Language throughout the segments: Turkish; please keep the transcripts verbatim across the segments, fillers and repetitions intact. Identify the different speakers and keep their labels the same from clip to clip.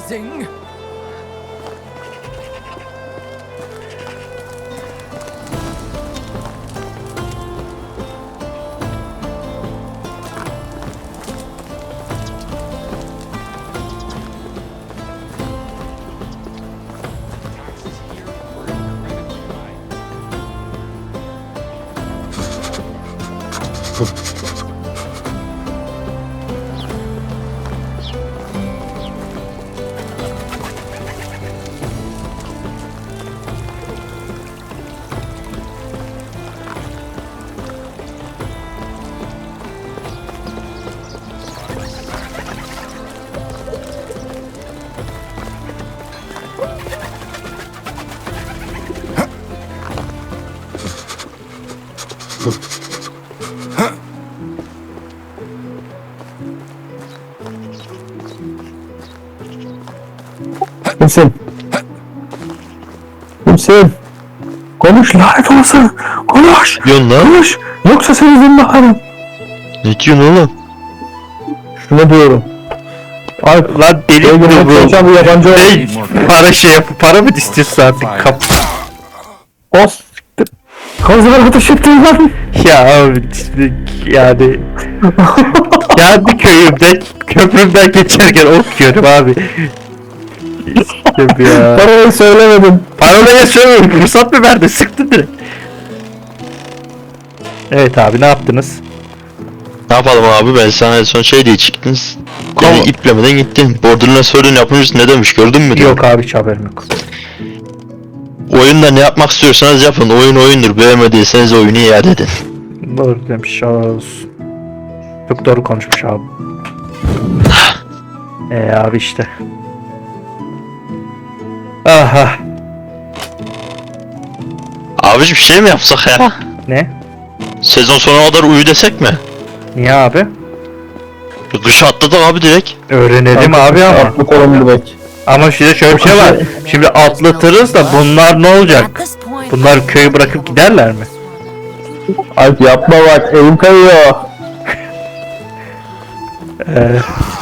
Speaker 1: Zing.
Speaker 2: Kimsin? Kimsin? Konuş lanet olsun. Konuş.
Speaker 3: Diyorsun lan?
Speaker 2: Konuş. Yoksa seni zindanlarım.
Speaker 3: Ne diyorsun oğlum?
Speaker 2: Şunu diyorum. Ay
Speaker 4: Lan deli
Speaker 2: Sevgili
Speaker 4: bu bu.
Speaker 2: hocam bu yabancı
Speaker 4: Hey, para şey yap, para mı istiyorsun artık kap?
Speaker 2: Os. Kazılar ateş ettiler.
Speaker 4: Ya abi yani kendi köyümde köprümden geçerken ok yiyorum abi. İstem ya.
Speaker 2: Parayı söylemedim.
Speaker 4: Parolaya söylüyorum, fırsat mı verdi? Sıktın direkt. Evet abi, ne yaptınız?
Speaker 3: Ne yapalım abi, ben sana en son şey diye çıktınız.
Speaker 4: Tamam.
Speaker 3: Yani iplemeden gittin. Borderline sorun yapmışsın, ne demiş gördün mü?
Speaker 4: Yok abi, hiç haberim yok.
Speaker 3: Oyunda ne yapmak istiyorsanız yapın. Oyun oyundur. Beğenmediyseniz oyunu iade edin.
Speaker 4: Doğru demiş olsun. Çok doğru konuşmuş abi. Eee abi işte. Aha.
Speaker 3: Abicim şey mi yapsak ya?
Speaker 4: Ne?
Speaker 3: Sezon sonuna kadar uyu desek mi?
Speaker 4: Niye abi?
Speaker 3: Kışı atladık abi direkt.
Speaker 4: Öğrenelim abi ama.
Speaker 2: Atlı kolum direkt.
Speaker 4: Ama şimdi şöyle bir şey var. Şimdi atlatırız da bunlar ne olacak?
Speaker 1: At this point,
Speaker 4: Bunlar köyü bırakıp giderler mi?
Speaker 2: Alp yapma bak elim kayıyor.
Speaker 4: Ee,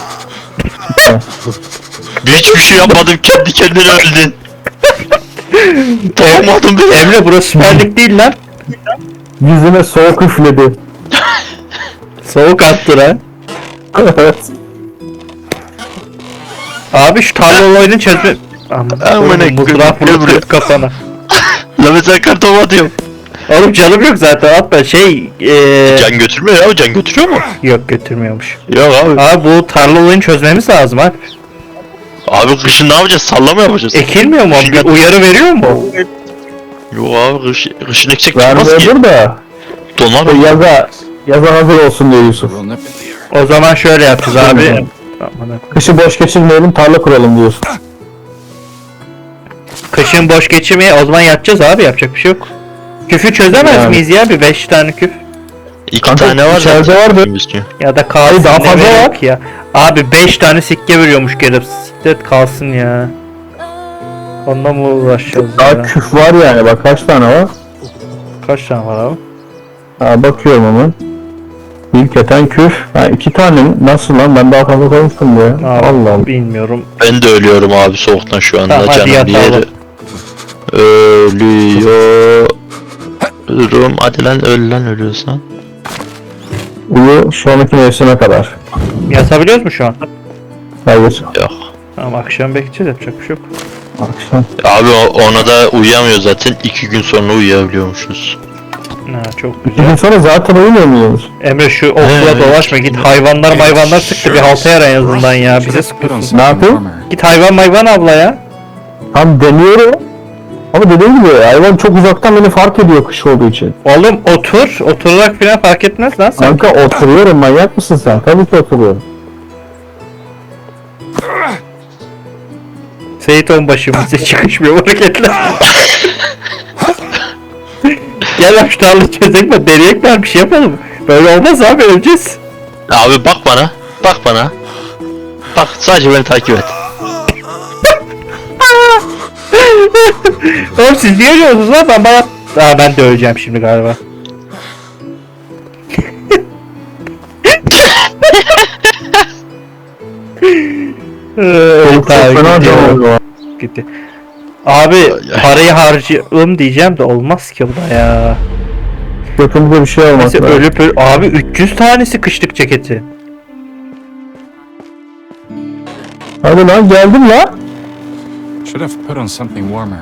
Speaker 3: Hiçbir şey yapmadım, kendi kendine öldün. Tanımadım beni.
Speaker 4: Emre, burası Süper Lig değil lan.
Speaker 2: Yüzüme soğuk üfledi.
Speaker 4: Soğuk attı lan.
Speaker 2: Evet.
Speaker 4: Abi şu tarla oyunu çözme... Aman
Speaker 3: Aman
Speaker 4: oğlum,
Speaker 3: ne-
Speaker 4: mızrak
Speaker 3: ne buraya?
Speaker 4: vurup kafana.
Speaker 3: La mesela kartopu atıyorum.
Speaker 4: Oğlum canım yok zaten, atma şey... Ee...
Speaker 3: Can götürmüyor ya, can götürüyor mu?
Speaker 4: Yok, götürmüyormuş.
Speaker 3: Yok abi.
Speaker 4: Abi bu tarla oyunu çözmemiz lazım abi.
Speaker 3: Abi kışın ne yapacağız? Sallama yapacağız.
Speaker 4: Ekilmiyor mu?
Speaker 3: Kışın-
Speaker 4: Bir uyarı veriyor mu?
Speaker 3: Yok abi, kış, kışın eksik çıkmaz ki.
Speaker 2: Vermiyordur da.
Speaker 3: Donar mı?
Speaker 2: Yaza, yaza hazır olsun diyor Yusuf.
Speaker 4: O zaman şöyle yapacağız abi. Aman,
Speaker 2: Kışı boş geçirmeyelim tarla kuralım diyorsun.
Speaker 4: kışın boş geçirmeye o zaman yatacağız abi, yapacak bir şey yok. Küfü çözemez
Speaker 2: Yani.
Speaker 4: miyiz ya, bir beş tane küf?
Speaker 3: İki
Speaker 2: Kanka,
Speaker 3: tane var
Speaker 2: içeride
Speaker 3: zaten.
Speaker 2: vardı.
Speaker 3: Üstü.
Speaker 4: Ya da kalsın,
Speaker 2: daha
Speaker 4: ne
Speaker 2: fazla
Speaker 4: gerek
Speaker 2: var.
Speaker 4: ya. Abi beş tane sikke veriyormuş gelip, siklet kalsın ya. Ondan mı uğraşacağız
Speaker 2: Daha
Speaker 4: ya?
Speaker 2: küf var yani bak kaç tane var.
Speaker 4: Kaç tane var abi?
Speaker 2: Ha bakıyorum hemen. İlk eten küf. Ha iki tane mi? Nasıl lan ben daha fazla koymuştum bu ya.
Speaker 4: Abi,
Speaker 2: Allah Allah.
Speaker 4: bilmiyorum.
Speaker 3: Ben de ölüyorum abi soğuktan şu anda.
Speaker 4: Tamam, hadi
Speaker 3: Canım bir
Speaker 4: yatalım.
Speaker 3: yeri. Ölüyorum. Hadi lan, öl lan ölüyorsan.
Speaker 2: Uyu sonraki mevsime kadar.
Speaker 4: Yatabiliyoruz mu şu an?
Speaker 2: Hayır.
Speaker 3: Yok.
Speaker 4: Tamam, akşam bekleyeceğiz, yapacak bir şey yok.
Speaker 2: Akşam.
Speaker 3: Abi o- ona da uyuyamıyor zaten. İki gün sonra uyuyabiliyormuşuz.
Speaker 4: Ha, çok
Speaker 2: İki
Speaker 4: güzel.
Speaker 2: gün sonra zaten uyumuyor muyuz?
Speaker 4: Emre şu okula
Speaker 3: Evet.
Speaker 4: dolaşma, git hayvanlar hayvanlar sıktı, bir halta yara en azından ya, bize sıkıyorsun.
Speaker 2: Ne yapayım?
Speaker 4: Git hayvan hayvan abla ya.
Speaker 2: Tam deniyorum. Ama dediğim gibi hayvan çok uzaktan beni fark ediyor kış olduğu için.
Speaker 4: Oğlum otur, oturarak falan fark etmez lan sen.
Speaker 2: Kanka oturuyorum manyak mısın sen? Tabii ki oturuyorum.
Speaker 4: Seyit Onbaşı bize çıkışmıyor hareketler. Gel lan şu tarla çözek mi? Deneyek mi? Bir şey yapalım. Böyle olmaz abi, öleceğiz.
Speaker 3: Abi bak bana. Bak bana. Bak sadece beni takip et.
Speaker 4: Oğlum siz niye ölüyorsunuz lan? Ben bana... Aa, ben de öleceğim şimdi galiba. Ee,
Speaker 2: çok
Speaker 4: Tabii,
Speaker 2: fena
Speaker 4: gidiyor.
Speaker 2: can oluyor.
Speaker 4: Gitti. Abi
Speaker 3: ay.
Speaker 4: parayı harcayalım diyeceğim de olmaz ki bu da ya.
Speaker 2: Götümüzde bir şey olmaz.
Speaker 4: Neyse ölüp ölüp abi üç yüz tanesi kışlık ceketi.
Speaker 2: Hadi lan geldim lan.
Speaker 1: Should have put on something warmer.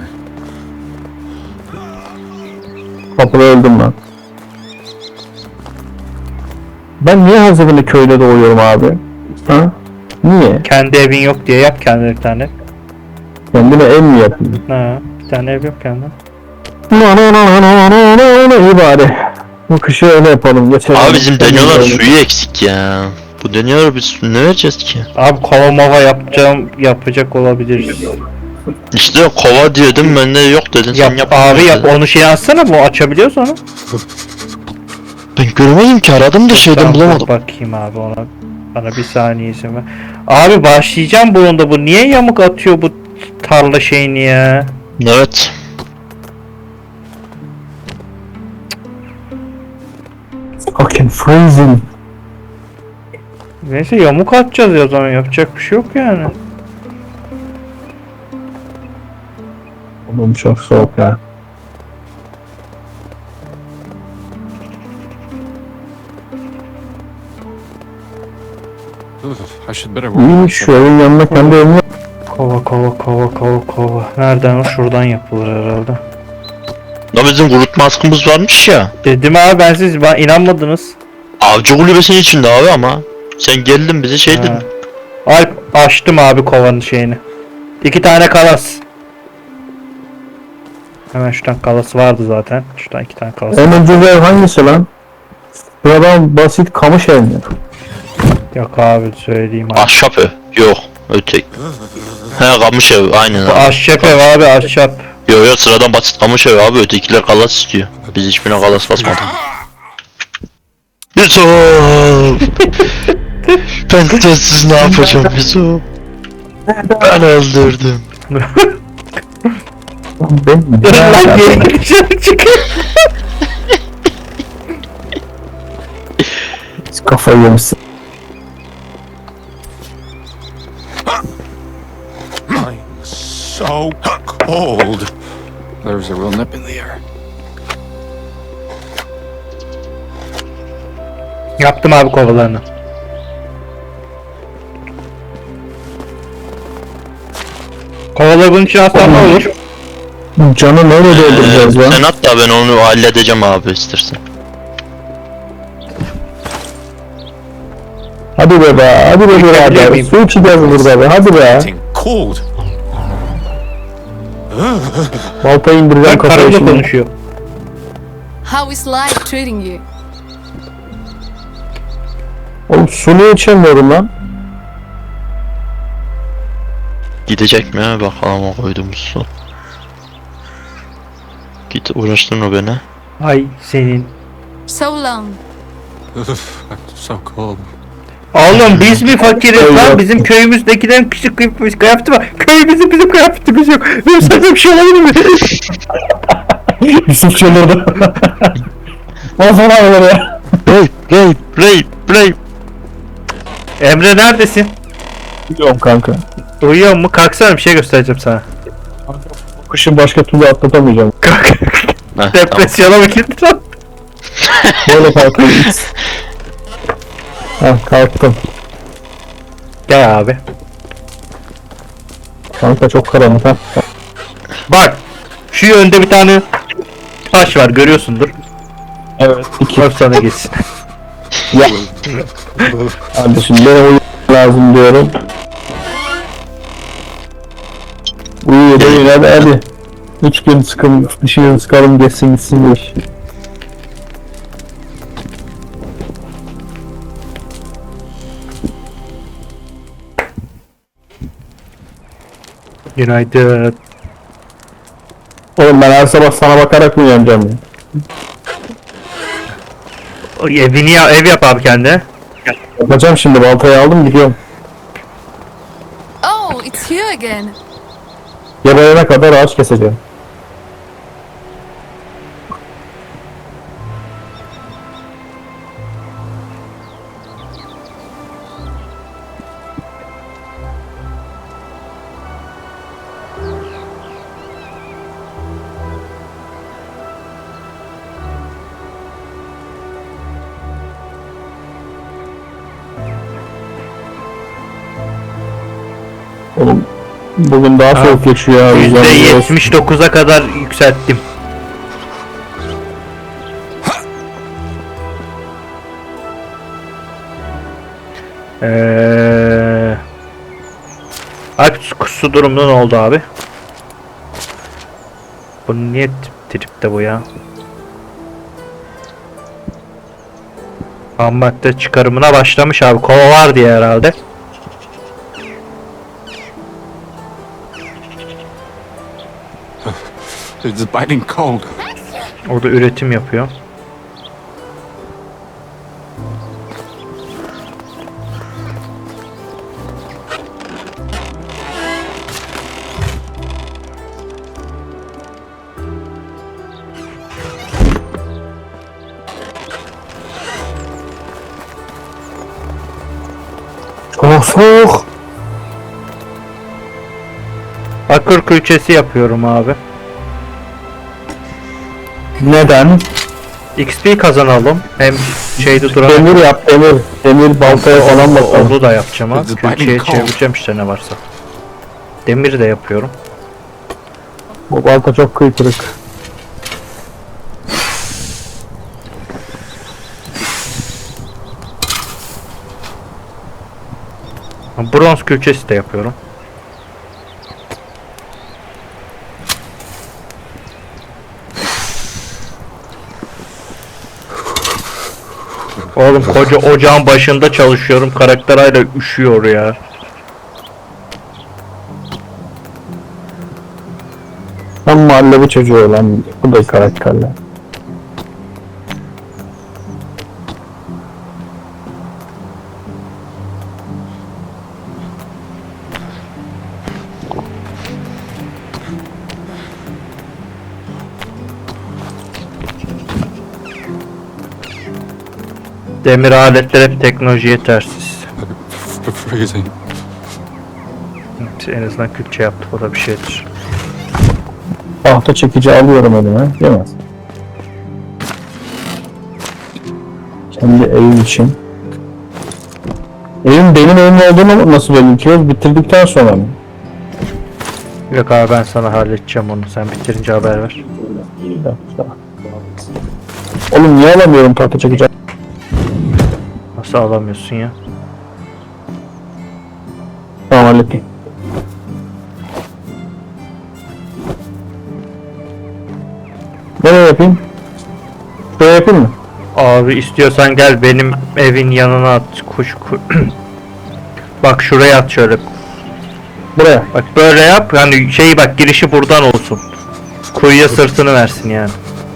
Speaker 2: Kapıda öldüm lan. Ben niye hazırını köyde doğuyorum abi? Ha? Niye?
Speaker 4: Kendi evin yok diye yap kendine bir tane.
Speaker 2: Kendime ev mi yapayım?
Speaker 4: Ha, bir tane ev yok kendine.
Speaker 2: No no no no no no no iyi bari. Bu kışı öyle yapalım. Geçelim.
Speaker 3: Abi bizim deniyorlar suyu eksik ya. Bu deniyorlar biz su ne vereceğiz ki?
Speaker 4: Abi kova mava yapacağım yapacak olabiliriz.
Speaker 3: İşte kova diyordum ben de yok dedin sen
Speaker 4: Yap
Speaker 3: yap.
Speaker 4: abi yap
Speaker 3: dedin.
Speaker 4: onu şey atsana bu açabiliyoruz onu.
Speaker 3: Ben görmedim ki aradım da şeyden
Speaker 4: Tamam, dur
Speaker 3: bulamadım.
Speaker 4: bakayım abi ona. Bana bir saniye izin ver. Abi başlayacağım bunun bu niye yamuk atıyor bu tarla şeyini ya?
Speaker 3: Evet.
Speaker 2: Fucking freezing.
Speaker 4: Neyse yamuk atacağız ya o zaman yapacak bir şey yok yani.
Speaker 2: Oğlum çok soğuk ya.
Speaker 1: Ugh, I should better work.
Speaker 2: İyiymiş şu evin yanına kendi evimi yap.
Speaker 4: Kova kova kova kova kova. Nereden o? Şuradan yapılır herhalde.
Speaker 3: Ya bizim kurutma askımız varmış ya.
Speaker 4: Dedim abi ben siz bana inanmadınız.
Speaker 3: Avcı kulübesinin içinde abi ama. Sen geldin bize şey dedin.
Speaker 4: Ha. Alp açtım abi kovanın şeyini. İki tane kalas. Hemen şuradan kalası vardı zaten. Şuradan iki tane kalas.
Speaker 2: En ucuz ev hangisi lan? Sıradan basit kamış ev mi?
Speaker 4: Yok abi söyleyeyim abi.
Speaker 3: Ahşap ev. Yok. Ötek. He kamış ev aynen
Speaker 4: Bu
Speaker 3: abi.
Speaker 4: ahşap ev abi ahşap.
Speaker 3: Yok yok sıradan basit kamış ev abi ötekiler kalas istiyor. Biz hiçbirine kalas basmadık. Yusuf! Ben sensiz ne yapacağım Yusuf? Ben öldürdüm.
Speaker 2: Ben
Speaker 4: Lan geri dışarı çıkıyor.
Speaker 2: kafayı yemişsin.
Speaker 1: I'm so cold. There's a real nip in the air.
Speaker 4: Yaptım abi kovalarını. Kovaları bunun için alsam ne olur?
Speaker 2: Canı nereye dolduracağız
Speaker 3: Ee,
Speaker 2: lan?
Speaker 3: sen at da ben onu halledeceğim abi istersen.
Speaker 2: Hadi be be, hadi be
Speaker 4: Yıkayabilir
Speaker 2: birader.
Speaker 4: miyim?
Speaker 2: Su içeceğiz burada be, hadi be.
Speaker 1: Getting cold.
Speaker 2: Baltayı indireceğim
Speaker 4: Ben
Speaker 2: kafaya
Speaker 4: karımla
Speaker 2: şimdi.
Speaker 4: konuşuyor.
Speaker 5: How is life treating you?
Speaker 2: Oğlum su niye içemiyorum lan?
Speaker 3: Gidecek mi ya bakalım o koyduğumuz su. Git uğraştırma beni.
Speaker 4: Ay senin.
Speaker 5: So long.
Speaker 1: Ugh, I'm so cold.
Speaker 4: Oğlum biz mi fakiriz
Speaker 2: Öyle
Speaker 4: lan?
Speaker 2: yaptım.
Speaker 4: Bizim köyümüzdekilerin küçük kıyafeti kıyafeti var. Köyümüzün bizim kıyafetimiz yok. Benim sende bir şey olabilir mi?
Speaker 2: Yusuf çıldırdı. Nasıl ağlar ya?
Speaker 3: Rape, rape, rape, rape.
Speaker 4: Emre neredesin?
Speaker 2: Biliyorum kanka.
Speaker 4: Uyuyor mu? Kalksana bir şey göstereceğim sana.
Speaker 2: Kışın başka türlü atlatamayacağım.
Speaker 3: Heh, tamam.
Speaker 4: Depresyona mı girdin lan?
Speaker 2: Böyle kalktım. Hah kalktım.
Speaker 4: Gel abi.
Speaker 2: Kanka çok karanlık ha.
Speaker 4: Bak. Şu yönde bir tane taş var görüyorsundur.
Speaker 2: Evet. İki.
Speaker 4: Bak sana gitsin.
Speaker 2: Ya. Kardeşim bana uyumak lazım diyorum. Uyuyor da yine hadi hadi. Üç gün sıkım, dışarı sıkalım geçsin gitsin bu iş.
Speaker 4: Günaydın.
Speaker 2: Oğlum ben her sabah sana bakarak mı uyanacağım ya?
Speaker 4: O Evini ya, ev yap abi kendine.
Speaker 2: Yapacağım şimdi baltayı aldım gidiyorum.
Speaker 5: Oh, it's you again.
Speaker 2: Geberene kadar ağaç keseceğim. Oğlum bugün daha soğuk geçiyor ya.
Speaker 4: yüzde
Speaker 2: Yüzde
Speaker 4: yetmiş dokuza kadar yükselttim. Eee Alp su, su durumu ne oldu abi? Bu niye tip- tripte bu ya? Ham madde çıkarımına başlamış abi. Kova var diye herhalde.
Speaker 1: It's biting cold.
Speaker 4: Orada üretim yapıyor.
Speaker 2: Çok soğuk.
Speaker 4: Bakır külçesi yapıyorum abi.
Speaker 2: Neden?
Speaker 4: X P kazanalım. Hem şeyde durarak
Speaker 2: Demir yap demir. Demir baltaya falan bakalım.
Speaker 4: onu da yapacağım abi.
Speaker 1: It's
Speaker 4: Külçeye
Speaker 1: biting cold.
Speaker 4: çevireceğim işte ne varsa. Demir de yapıyorum.
Speaker 2: Bu balta çok kıytırık.
Speaker 4: Bronz külçesi de yapıyorum. Oğlum koca ocağın başında çalışıyorum. Karakter hala üşüyor ya.
Speaker 2: Tam mahalle çocuğu lan. Bu da karakterler.
Speaker 4: Demir aletler hep teknolojiye tersiz.
Speaker 1: F- freezing.
Speaker 4: En azından külçe yaptık, o da bir şeydir.
Speaker 2: Tahta çekici alıyorum elime. Değil mi? Kendi evim için. Evim benim evim olduğunu nasıl belirtiyoruz? Bitirdikten sonra mı?
Speaker 4: Yok abi, ben sana halledeceğim onu. Sen bitirince haber ver.
Speaker 2: Bir dakika. Oğlum niye alamıyorum tahta çekici?
Speaker 4: Nasıl alamıyorsun ya?
Speaker 2: Tamam hallettim. Nereye yapayım? Şuraya yapayım mı?
Speaker 4: Abi istiyorsan gel benim evin yanına at. Kuş ku Bak şuraya at şöyle.
Speaker 2: Buraya.
Speaker 4: Bak böyle yap. Yani şey bak, girişi buradan olsun. Kuyuya sırtını versin yani.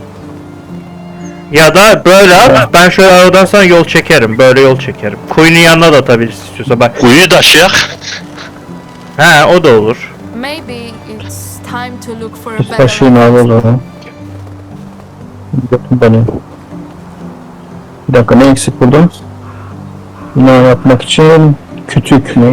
Speaker 4: Ya da böyle at. Ben şöyle aradan sana yol çekerim. Böyle yol çekerim. Kuyunun yanına da atabilirsin istiyorsa bak.
Speaker 3: Kuyu taşıyak.
Speaker 4: He, o da olur.
Speaker 5: Maybe it's time to look for a
Speaker 2: Biz
Speaker 5: better
Speaker 2: taşıyın abi o zaman. Götüm beni. Bir dakika, ne eksik burada? Bina yapmak için kütük ne?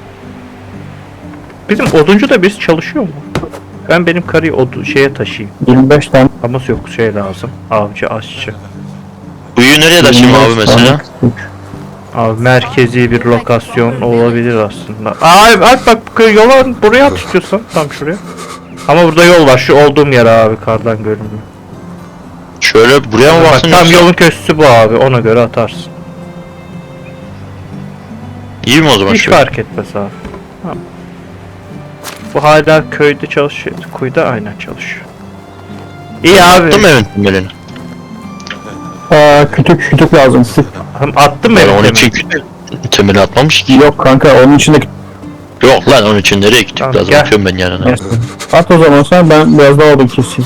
Speaker 4: Bizim oduncu da birisi çalışıyor mu? Ben benim karıyı odu şeye taşıyayım.
Speaker 2: yirmi beş tane.
Speaker 4: Ama yok, şey lazım. Avcı, aşçı.
Speaker 3: Kuyu nereye taşıyayım abi
Speaker 2: yirmi beş tane
Speaker 3: mesela?
Speaker 2: kütük.
Speaker 4: Abi merkezi bir lokasyon olabilir aslında. Aa Alp bak, yola buraya at istiyorsan, tam şuraya. Ama burada yol var, şu olduğum yer abi, kardan görünmüyor.
Speaker 3: Şöyle buraya mı
Speaker 4: Bak
Speaker 3: baksın
Speaker 4: tam
Speaker 3: yoksa?
Speaker 4: yolun köşesi bu abi, ona göre atarsın.
Speaker 3: İyi mi o zaman
Speaker 4: Hiç
Speaker 3: şöyle?
Speaker 4: fark etmez abi. Tamam. Bu hala köyde çalışıyor, kuyuda aynen çalışıyor. İyi abi.
Speaker 3: Attım evin temelini.
Speaker 2: Aa, kütük kütük lazım. Kütük.
Speaker 4: Hem attım
Speaker 3: Ben
Speaker 4: mı
Speaker 3: onun
Speaker 4: evin
Speaker 3: için
Speaker 4: temeli?
Speaker 3: temeli atmamış ki.
Speaker 2: Yok kanka, onun içinde
Speaker 3: Yok lan, onun için nereye gittik
Speaker 4: Tamam,
Speaker 3: lazım,
Speaker 4: gel.
Speaker 3: atıyorum ben yanına.
Speaker 2: neyse. At o zaman sen, ben biraz daha odun keseyim.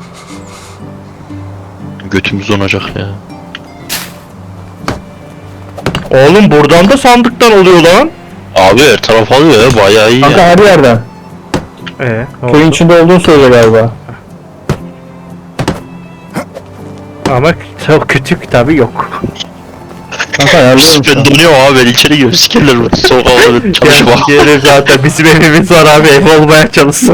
Speaker 3: Götümüz donacak ya.
Speaker 4: Oğlum buradan da sandıktan oluyor lan.
Speaker 3: Abi her taraf alıyor ya, bayağı iyi
Speaker 2: Kanka
Speaker 3: ya.
Speaker 2: her yerden.
Speaker 4: Ee, ne
Speaker 2: Köyün
Speaker 4: oldu?
Speaker 2: içinde olduğunu söyle galiba.
Speaker 4: Ama çok kütük tabi yok.
Speaker 2: Kanka ayarlıyorum şu
Speaker 3: Ben
Speaker 2: an.
Speaker 3: donuyorum abi, ben içeri giriyorum, sikerler beni. Soğuk havada çalışma.
Speaker 4: Gelir zaten, bizim evimiz var abi, ev olmaya çalışsın.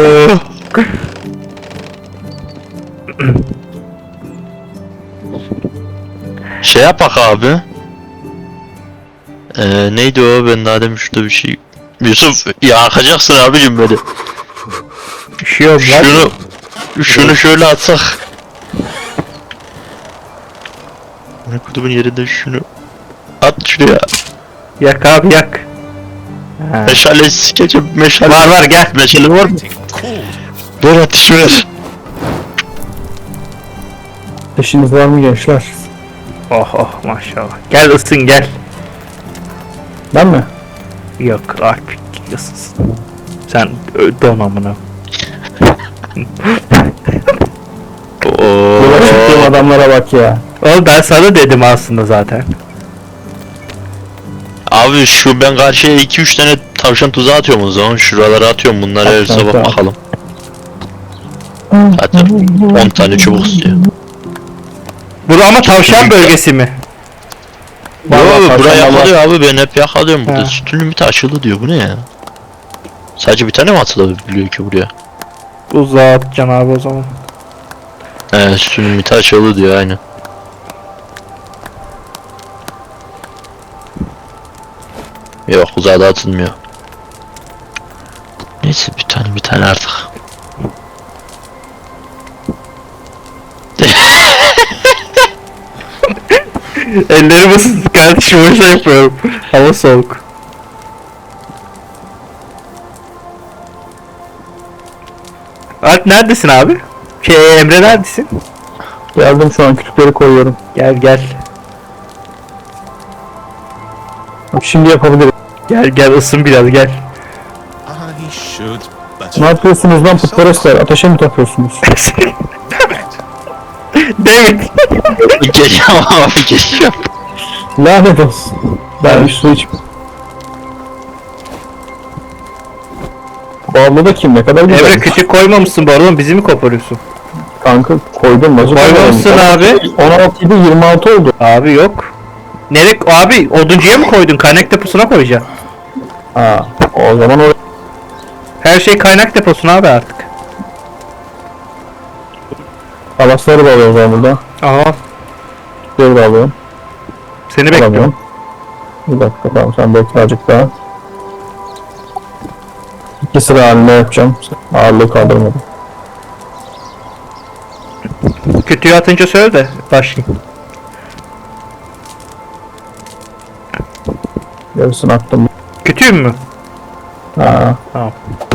Speaker 3: Şey yapak abi. Ee, neydi o, ben daha demin şurada bir şey Yusuf yakacaksın abicim beni.
Speaker 4: Üşüyorum lan.
Speaker 3: Şunu şunu şöyle atsak. Ne kutumun yerinde şunu at şuraya.
Speaker 4: Yak abi yak. Ha.
Speaker 3: Meşale sikeceğim meşale.
Speaker 4: Var var gel.
Speaker 3: Meşale var mı? Ver ateş ver.
Speaker 2: İşiniz var mı gençler?
Speaker 4: Oh oh maşallah. Gel ısın gel.
Speaker 2: Ben mi?
Speaker 4: Yok Alp ısınsın. Sen ö, don amına.
Speaker 2: Yola çıktığım
Speaker 3: Oo.
Speaker 2: adamlara bak ya.
Speaker 4: Oğlum ben sana dedim aslında zaten.
Speaker 3: Abi şu ben karşıya iki üç tane tavşan tuzağı atıyorum o zaman. Şuralara atıyorum bunları her
Speaker 2: At,
Speaker 3: sabah
Speaker 2: at, at.
Speaker 3: bakalım. Zaten on tane çubuk istiyor.
Speaker 4: Bu ama tavşan bölgesi mi?
Speaker 3: Yo
Speaker 2: Vallahi
Speaker 3: abi buraya
Speaker 2: tavşan
Speaker 3: yakalıyor abi ben hep yakalıyorum burada.
Speaker 4: Ha.
Speaker 3: Sütün limiti açıldı diyor bu ne ya? Sadece bir tane mi atılabiliyor ki buraya?
Speaker 4: Uzağa atacaksın abi o zaman.
Speaker 3: He sütün limiti açıldı diyor aynen. Yok uzağa da atılmıyor. Neyse bir tane bir tane artık.
Speaker 4: Ellerim ısınsın kardeşim o şey yapıyorum. Hava soğuk. Alp neredesin abi? Şey Emre neredesin?
Speaker 2: Geldim şu an kütükleri koyuyorum.
Speaker 4: Gel gel.
Speaker 2: Şimdi yapabilirim.
Speaker 4: Gel gel ısın biraz gel.
Speaker 1: I should, but
Speaker 2: Ne yapıyorsunuz lan putperestler? Ateşe mi takıyorsunuz?
Speaker 4: David.
Speaker 3: Geliyorum abi geliyorum.
Speaker 2: Lanet olsun. Ben bir su iç. Bu abla da kim? Ne kadar güzel.
Speaker 4: Emre küçük koymamışsın bu arada bizi mi koparıyorsun?
Speaker 2: Kanka koydum. Nasıl
Speaker 4: Koymamışsın abi.
Speaker 2: on altı idi yirmi altı oldu.
Speaker 4: Abi yok. Nereye abi oduncuya mı koydun? Kaynak deposuna koyacaksın.
Speaker 2: Ha, o zaman oraya.
Speaker 4: Her şey kaynak deposuna abi artık.
Speaker 2: Kalasları da alıyorum o zaman burada.
Speaker 4: Aha
Speaker 2: Kütükleri de alıyorum.
Speaker 4: seni bekliyorum.
Speaker 2: Alamıyorum. Bir dakika tamam sen bekle azıcık daha. İki sıra halinde yapacağım. Ağırlığı kaldırmadım.
Speaker 4: Kütüğü atınca söyle de başlayayım.
Speaker 2: Yarısını attım.
Speaker 4: Kütüğüm mü?
Speaker 2: Ha.
Speaker 4: Tamam.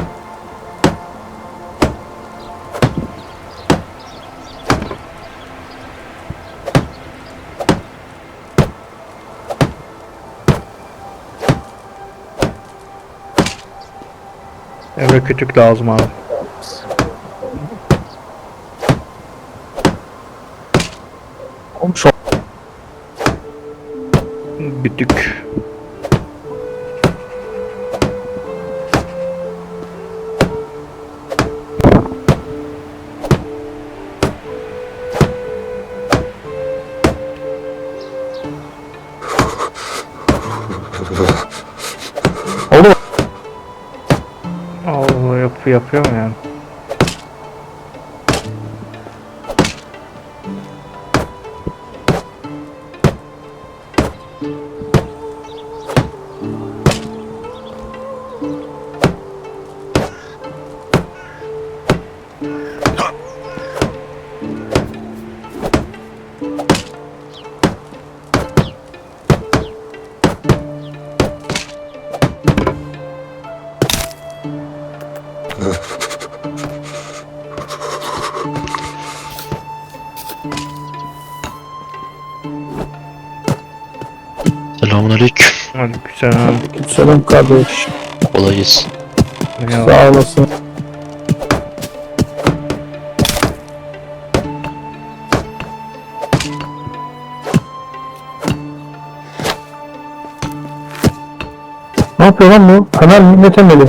Speaker 4: Emre kütük lazım abi.
Speaker 2: Oğlum şu
Speaker 4: Kütük.
Speaker 2: Oldu mu?
Speaker 4: Allah yap yapıyor mu yani?
Speaker 3: Selamünaleyküm.
Speaker 4: Hadi güzel abi.
Speaker 2: Selam kardeş.
Speaker 3: Kolay gelsin.
Speaker 4: Ya.
Speaker 2: Sağ olasın. Ne yapıyor lan bu? Hemen millet emeli.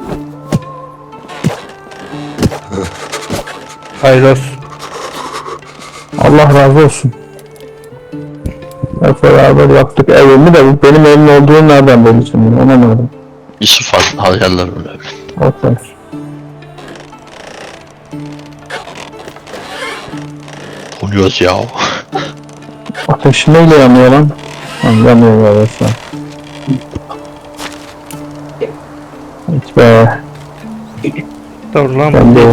Speaker 4: Hayırlı olsun.
Speaker 2: Allah razı olsun. Hep beraber yaptık evimi de bu benim evim olduğunu nereden belli şimdi onu anlamadım.
Speaker 3: Yusuf farklı hayaller öyle.
Speaker 2: Okey.
Speaker 3: Oluyoruz ya.
Speaker 2: Ateş neyle yanıyor lan? Lan yanıyor ya resmen. be.
Speaker 4: Dur lan.
Speaker 2: Ben de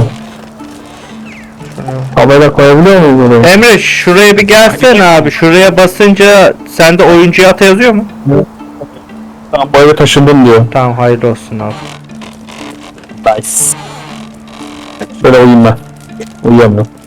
Speaker 2: tabela koyabiliyor muyum buraya?
Speaker 4: Emre şuraya bir gelsene abi. Şuraya basınca sende oyuncuya ata yazıyor mu?
Speaker 2: Tam bu eve taşındım diyor.
Speaker 4: Tamam hayırlı olsun abi.
Speaker 2: Nice. Böyle uyuyayım ben. Uyuyamıyorum.